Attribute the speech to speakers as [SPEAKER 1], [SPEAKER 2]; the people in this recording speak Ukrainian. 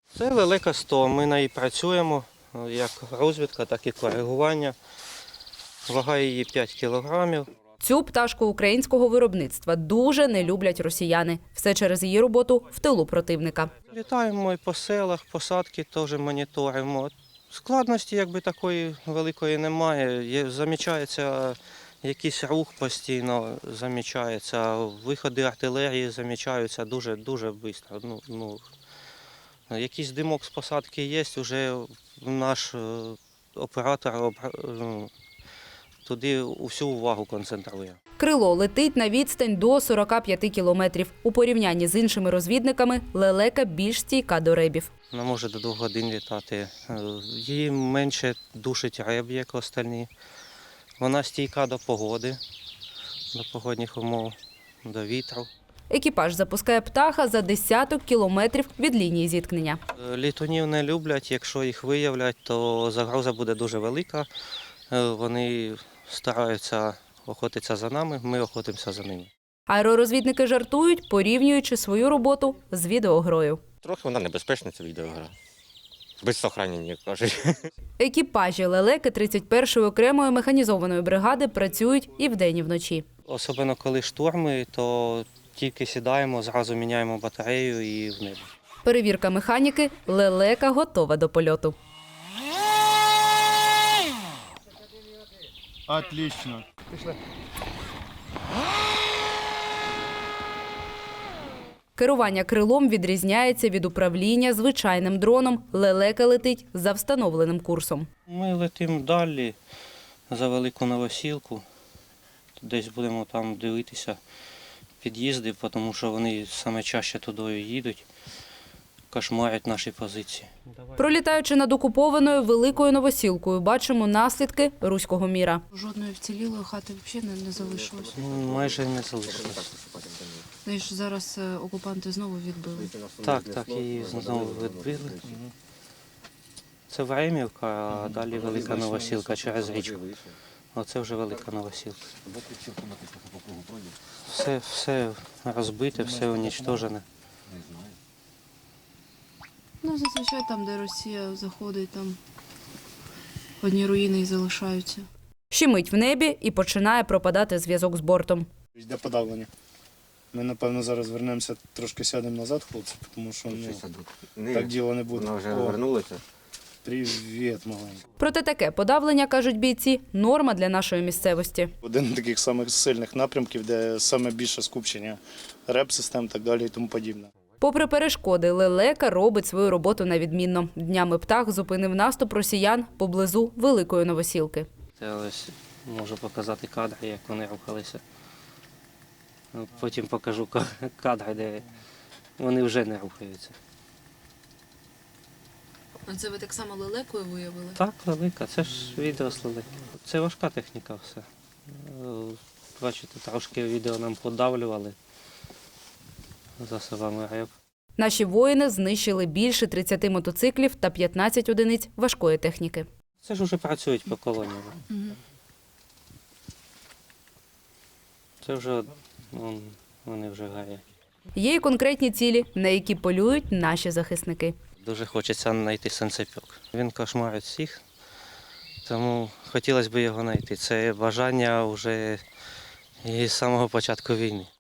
[SPEAKER 1] Це велика 100. Ми на ній працюємо, як розвідка, так і коригування. Вага її 5 кілограмів.
[SPEAKER 2] Цю пташку українського виробництва дуже не люблять росіяни. Все через її роботу в тилу противника.
[SPEAKER 1] Літаємо і по селах, посадки теж моніторимо. Складності якби такої великої немає. Замічається якийсь рух постійно, замічається, виходи артилерії замічаються дуже швидко. Якийсь димок з посадки є, вже наш оператор туди всю увагу концентрує.
[SPEAKER 2] Крило летить на відстань до 45 кілометрів. У порівнянні з іншими розвідниками лелека більш стійка до ребів.
[SPEAKER 1] Вона може до 2 годин літати. Її менше душить реб, як остальні. Вона стійка до погоди, до погодних умов, до вітру.
[SPEAKER 2] Екіпаж запускає птаха за десяток кілометрів від лінії зіткнення.
[SPEAKER 1] Літунів не люблять, якщо їх виявлять, то загроза буде дуже велика. Вони стараються охотитися за нами, ми охотимося за ними.
[SPEAKER 2] Аеророзвідники жартують, порівнюючи свою роботу з відеогрою.
[SPEAKER 3] Трохи вона небезпечна, ця відеогра. Без сохранення, як кажуть.
[SPEAKER 2] Екіпажі лелеки 31-ї окремої механізованої бригади працюють і вдень, і вночі.
[SPEAKER 1] Особливо коли шторми, то тільки сідаємо, зразу міняємо батарею і в небо.
[SPEAKER 2] Перевірка механіки – лелека готова до польоту.
[SPEAKER 4] Отлично.
[SPEAKER 2] Керування крилом відрізняється від управління звичайним дроном. Лелека летить за встановленим курсом.
[SPEAKER 1] Ми летимо далі за Велику Новосілку. Десь будемо там дивитися під'їзди, тому що вони саме чаще туди їдуть, кошмарять наші позиції.
[SPEAKER 2] Пролітаючи над окупованою Великою Новосілкою, бачимо наслідки руського міра.
[SPEAKER 5] Жодної вцілілої хати взагалі не залишилось.
[SPEAKER 1] Майже не залишилось.
[SPEAKER 5] Ну, ж зараз окупанти знову відбили.
[SPEAKER 1] Так, її знову відбили. Це Времівка, а далі Велика Новосілка через річку. Оце вже Велика Новосілка. Все розбите, все унічтожене.
[SPEAKER 5] Ну, зазвичай там, де Росія заходить, там одні руїни і залишаються.
[SPEAKER 2] Щемить в небі і починає пропадати зв'язок з бортом.
[SPEAKER 4] Йде подавлення. Ми, напевно, зараз вернемося, трошки сядемо назад, хлопці, тому що так діло не буде.
[SPEAKER 3] Вона вже вернулася.
[SPEAKER 4] Привіт, маленький.
[SPEAKER 2] Проте таке подавлення, кажуть бійці, норма для нашої місцевості.
[SPEAKER 4] Один з таких самих сильних напрямків, де саме більше скупчення реп-систем і так далі і тому подібне.
[SPEAKER 2] Попри перешкоди, лелека робить свою роботу на відмінно. Днями птах зупинив наступ росіян поблизу Великої Новосілки.
[SPEAKER 1] Це ось можу показати кадри, як вони рухалися. Потім покажу кадри, де вони вже не рухаються.
[SPEAKER 5] А це ви так само лелекою виявили?
[SPEAKER 1] Так, велика, це ж відео з лелеки. Це важка техніка все. Бачите, трошки відео нам подавлювали засобами РЕБ.
[SPEAKER 2] Наші воїни знищили більше 30 мотоциклів та 15 одиниць важкої техніки.
[SPEAKER 1] Це ж вже працюють по колоніям. Це вже вони вже горять.
[SPEAKER 2] Є й конкретні цілі, на які полюють наші захисники.
[SPEAKER 1] Дуже хочеться знайти санцепьок. Він кошмарить всіх, тому хотілося б його знайти. Це бажання вже із самого початку війни.